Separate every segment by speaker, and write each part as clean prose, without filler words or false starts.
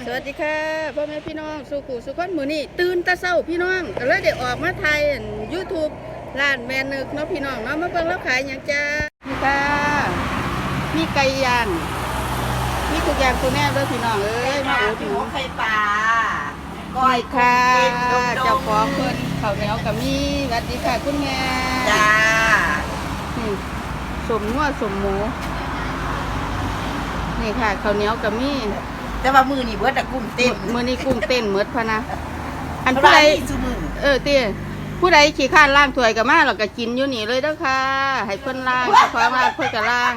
Speaker 1: สวัสดีค่ะพ่อแม่พี่น้องสุขุสุขคนมือนี่ตื่นตาเศร้าพี่น้องก็เลยได้ออกมาไทยYouTube ร้านแม่นึกเนาะพี่น้องเนาะมาเบิ่งแล้วขายอย่างจ้านี่ค่ะมีไก่ย่างมีทุกอย่างตัวแน่เลยพี่น้องเอ้ยมาอุดหนุน
Speaker 2: ไข่ปลา
Speaker 1: ก้อยค่ะเจ้าของเพิ่นข้าวเหนียวกับมีสวัสดีค่ะคุณแม่
Speaker 2: จ้า
Speaker 1: นี่สมนัวสมหมูนี่ค่ะข้าวเหนียวกับมี
Speaker 2: แต่ว่ามือนี่เบิดแต่กุ้งเต้น
Speaker 1: มื้อนี้กุ้งเต้นหมดพะนะอัน
Speaker 2: เพราะ
Speaker 1: ผู้
Speaker 2: ว่า
Speaker 1: ใด
Speaker 2: นี่ซุมือ
Speaker 1: เตี้ยผู้ใดขี้ข้านล่างถ้วยกับมาเราก็กินอยู่นี่เลยเด้อค่ะให้เพิ่นล่างขอมาเพิ่นก็ล่าง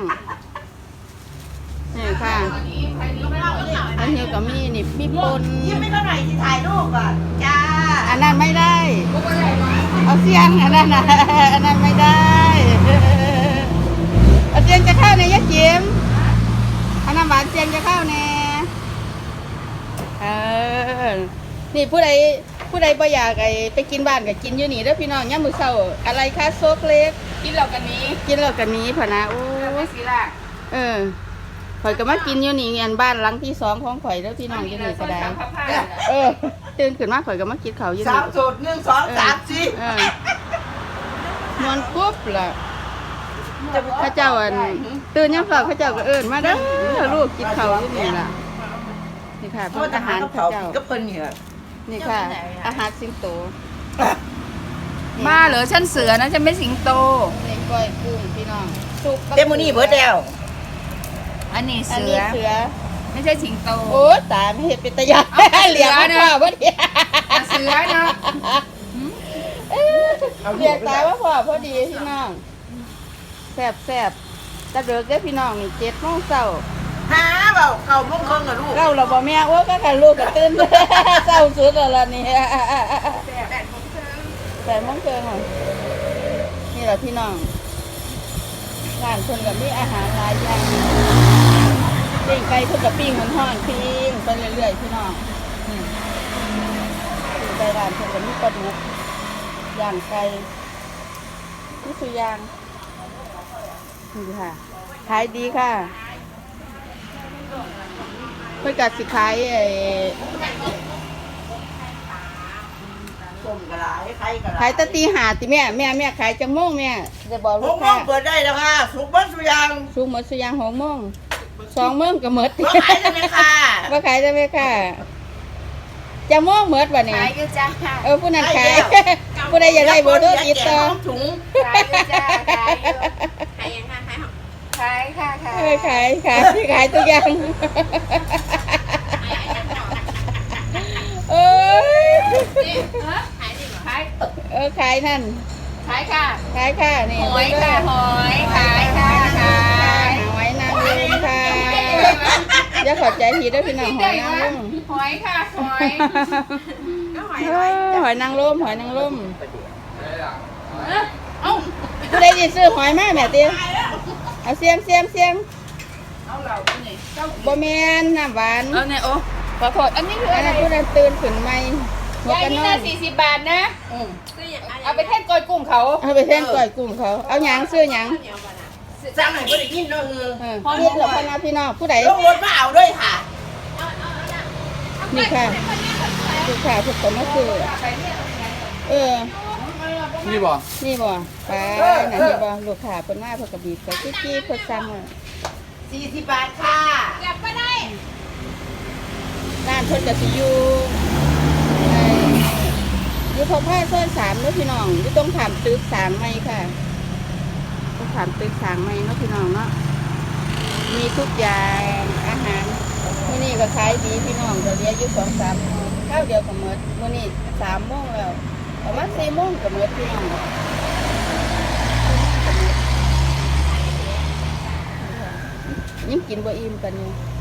Speaker 1: นี่ค่ะอันนี้ก็มีนี่มีปน
Speaker 2: ยิ้มไม่เท่าไหร่ที่ถ่ายรูปก่อนจ้า
Speaker 1: อันนั้นไม่ได้เอาเสียงอันนั้นนะอันนั้นไม่ได้เอาเสียงจะเข้าในยะเจียมอันนั้นหวานเสียงจะเข้าแน่นี่ผู้ใดบ่อยากไปกินบ้านก็กินอยู่นี่เด้อพี่น้องยามมื้อเช้าอะไรคะโซกเล็ก
Speaker 3: กินเหล่ากันนี้
Speaker 1: กินแล้วกันนี้พะนะโอ้
Speaker 3: ไม่สีล่ะ
Speaker 1: ข่อยก็มากินอยู่นี่อันบ้านหลังที่2ของข่อยแล้วพี่น้องอยู่นี่ก็ได้
Speaker 3: ผ้า
Speaker 1: ตื่นขึ้นมาข่อยก็มากินข้าวอยู่
Speaker 2: สา
Speaker 1: นี่
Speaker 2: มสูตร1 2 3
Speaker 1: นอนปุ๊บล่ะข้าเจ้าตื่นยามเช้าข้าเจ้าก็เอิ้นมาเด้อลูกกินข้าวอยู่นี่ล่ะนี่ค่ะ
Speaker 2: เพ
Speaker 1: เพิ่
Speaker 2: ราะ
Speaker 1: น
Speaker 2: ท
Speaker 1: อา
Speaker 2: หา
Speaker 1: หาร ร
Speaker 2: กับ
Speaker 1: ข้า
Speaker 2: เขา
Speaker 1: เจ้า
Speaker 2: ก็เพิ่นเนี่ย
Speaker 1: นี่ค่ะ อาหารสิงโต
Speaker 3: มาเหรอฉันเสือนะฉันไม่สิงโต
Speaker 1: นี่ก้อยกุ้งพี่น้องสุก
Speaker 2: เต็มมือนี่เบิดแล้ว
Speaker 3: อันนี้
Speaker 1: อัน
Speaker 3: เสื
Speaker 1: นี้
Speaker 3: อ
Speaker 1: เสือ
Speaker 3: ไม่ใช่สิงโต
Speaker 1: โอ้ตายไม่เห็นเป็นตะยาน
Speaker 3: เอาเสือ
Speaker 1: เหลียก
Speaker 3: นะ
Speaker 1: ว่าพ่อดี
Speaker 3: เสือเนาะ
Speaker 1: เรียกตายว่าพ่อพอดีพี่น้องแซ่บตะเดือกเด้อพี่น้องนี่7 โมงเช้า
Speaker 2: หาเปล่าเขามุ่งเครื่องกับลูก
Speaker 1: เราบ่แม่โอ้ก็ค่ะลูกก็ตื่น เช้าสุดแล้วล่ะนี่8 โมงครึ่งนี่แหละพี่น้องร้านเพิ่นก็มีอาหารหลายอย่างปิ้งไก่เพิ่นก็ปิ้งมันฮ้อนปิ้งไปเรื่อยๆพี่น้องปิ้งไก่ร้านเพิ่นก็มีปลาดุกย่างไก่มีสุย่างนี่ค่ะขายดีค่ะเพื่อการสิขาย
Speaker 2: ส้มกระไรไข่กระไร
Speaker 1: ขายตะตีหาติแม่ขายจังโมงแม่จะบอก
Speaker 2: ผ
Speaker 1: ลู
Speaker 2: ม
Speaker 1: ก
Speaker 2: มอ
Speaker 1: ค้าง
Speaker 2: เปิดได้แล้วค่ะสุกเบิ้ลสุยาง
Speaker 1: สูงหมดสุยาง6 โมง2 โมงก็หมด
Speaker 2: ว่าขายได้ไหมค่ะ
Speaker 1: ว่าขายได้ไหมค่ะจังโมงหมดวันนี้
Speaker 3: ขายอยู่จ้า
Speaker 1: ผู้นั้นขายผู้ใดอยากได้เบอร์โทรติดต่อ
Speaker 2: ถุง
Speaker 3: ขายอยู่จ้าขายอยู่ขายยังไงขายค่ะขาย
Speaker 1: ขายทุกอย่างเอ้ย
Speaker 3: ขาย
Speaker 1: ขายนั่น
Speaker 3: ขายค่ะ
Speaker 1: ขายค่ะนี่
Speaker 3: หอยค่ะหอยขายค่ะขาย
Speaker 1: หอยนางรมค่ะอย่าขอใจผิดด้วยพี่น้องหอยนางรม
Speaker 3: หอยค่ะหอย
Speaker 1: หอยนางรม
Speaker 3: เอ้า
Speaker 1: ผู้ใดจะซื้อหอยมาแม่เตี้ยเอาเสียมบ่แม่นน้ำหวาน
Speaker 3: เอาเนี่ยโอ้ขอโทษอันนี้คือ
Speaker 1: อัน
Speaker 3: อะไร
Speaker 1: นั้นผู้นั้นตื่นขึ้นใหม่หัวย
Speaker 3: าย
Speaker 1: กัน
Speaker 3: นี่
Speaker 1: นอ
Speaker 3: นะ
Speaker 1: น
Speaker 3: 40 บาทนะ เอาไปแท่นกอยกุ้งเขา
Speaker 1: เอาไปแท่งก่อยกลุ่มเขาเอาหยังซื้อหยัง
Speaker 2: จ้างไหนก็ได้ยินเนาะ
Speaker 1: นี่เหลือพนักพี่น้องผู้ใด
Speaker 2: ลงรถมาเอาด้วยค่ะ
Speaker 1: นี่ค่ะลูกค้าทุกคนก็คือ
Speaker 4: นี่บ่
Speaker 1: นี่บ่ไปนั่นนี่บ่ลูกค้าเพิ่นมาเพิ่นก็บีบใส่จี้ๆเพิ่นสั่ง
Speaker 2: 40 บาทค่ะ
Speaker 1: ร้านเพิ่นก็สิอยู่พบผ้าซอย3เด้อพี่น้องอยู่ตรงถามตึก3ใหม่ค่ะตรงถามตึก3ใหม่เนาะพี่น้องเนาะมีทุกอย่างอาหารมื้อนี้ก็ขายดีพี่น้องก็เหลืออยู่ 2-3 โมงข้าวเดียวก็หมดมื้อนี้3 โมงแล้วประมาณ4 โมงก็หมดพี่น้องยังกินบ่อิ่มกันอยู่